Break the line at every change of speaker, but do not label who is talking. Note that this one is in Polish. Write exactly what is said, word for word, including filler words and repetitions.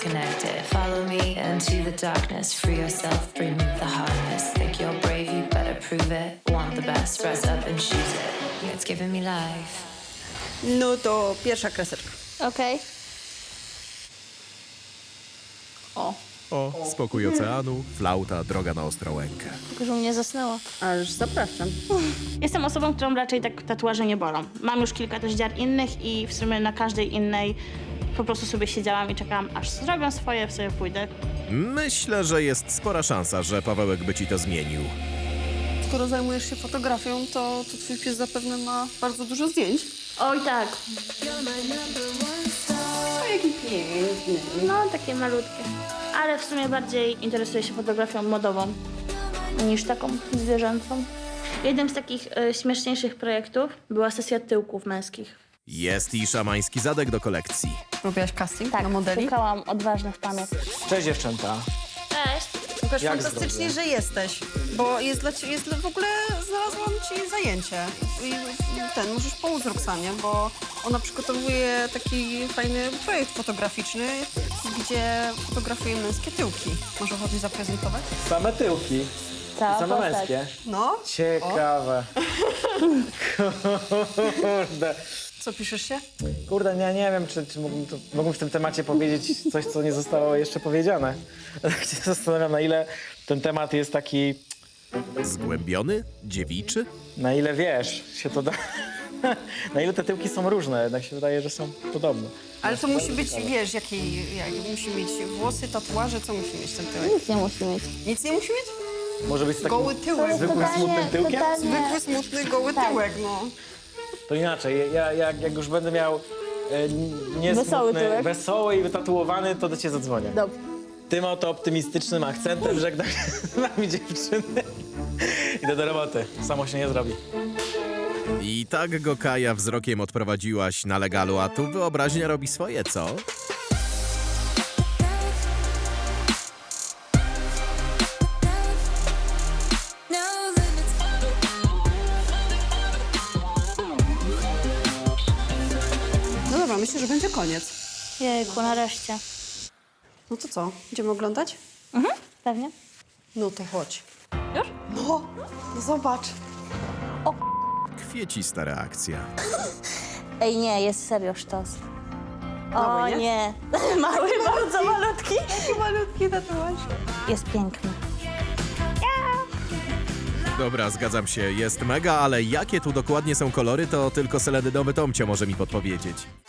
connected. Follow me into the darkness, free yourself, bring the hardness. Think you're brave, you better prove it. Want the best, rise up and choose it. Yeah, it's giving me life.
No to pierwsza kreseczka.
Okej.
O,
O, spokój oceanu, flauta, droga na Ostrołękę.
Tylko, że u mnie zasnęło.
aż zapraszam.
Jestem osobą, którą raczej tak tatuaże nie bolą. Mam już kilka też dziar innych i w sumie na każdej innej po prostu sobie siedziałam i czekałam, aż zrobią swoje, sobie pójdę.
Myślę, że jest spora szansa, że Pawełek by ci to zmienił.
Skoro zajmujesz się fotografią, to, to twój pies zapewne ma bardzo dużo zdjęć.
Oj tak,
O, jaki piękny.
no takie malutkie. Ale w sumie bardziej interesuję się fotografią modową niż taką zwierzęcą. Jednym z takich e, śmieszniejszych projektów była sesja tyłków męskich.
Jest i szamański zadek do kolekcji.
Robiłaś casting
Tak,
na modeli?
szukałam odważnych pamięt.
Cześć dziewczęta.
Cześć!
Łukasz,
Jak
fantastycznie,
zdrowie?
że jesteś, bo jest dla ciebie, jest dla, w ogóle znalazłam ci zajęcie i ten, możesz pomóc Roxanie, bo ona przygotowuje taki fajny projekt fotograficzny, gdzie fotografuje męskie tyłki. Może ochotę zaprezentować?
Same tyłki.
Cała
Same
postać.
męskie.
No,
Ciekawe. Kurde.
co piszesz się?
Kurde, ja nie wiem, czy, czy mógłbym, to, mógłbym w tym temacie powiedzieć coś, co nie zostało jeszcze powiedziane. Tak się zastanawiam, na ile ten temat jest taki,
Zgłębiony? Dziewiczy?
na ile wiesz, się to da. Na ile te tyłki są różne, jednak się wydaje, że są podobne.
Ale to musi być, wiesz, jakiej, jak, musi mieć włosy, tatuaże, co musi mieć ten tyłek?
Nic nie musi mieć.
Nic nie musi mieć?
Może być z takim
Goły tyłek.
zwykłym,
Totalnie-
smutnym tyłkiem?
totalnie-
Zwykły, smutny, goły
Tak.
tyłek, no.
To inaczej, ja, jak, jak już będę miał e, nie
Wesoły
smutny,
tyłek.
wesoły i wytatuowany, to do ciebie zadzwonię.
Dobrze.
Tym oto optymistycznym akcentem żegnam się z wami, dziewczyny. Idę do roboty, samo się nie zrobi.
I tak go Kaja wzrokiem odprowadziłaś na legalu, a tu wyobraźnia robi swoje, co?
No dobra, myślę, że będzie koniec.
Jejku, nareszcie.
No to co, idziemy oglądać?
Mhm, pewnie.
No to chodź.
Już?
No, no zobacz.
Kwiecista reakcja.
Ej, nie, jest serio sztos.
Mały,
O
nie?
nie. Mały, bardzo malutki.
Jaki malutki tatuaż.
Jest piękny.
Dobra, zgadzam się, jest mega, ale jakie tu dokładnie są kolory, to tylko seledynowy Tomcio może mi podpowiedzieć.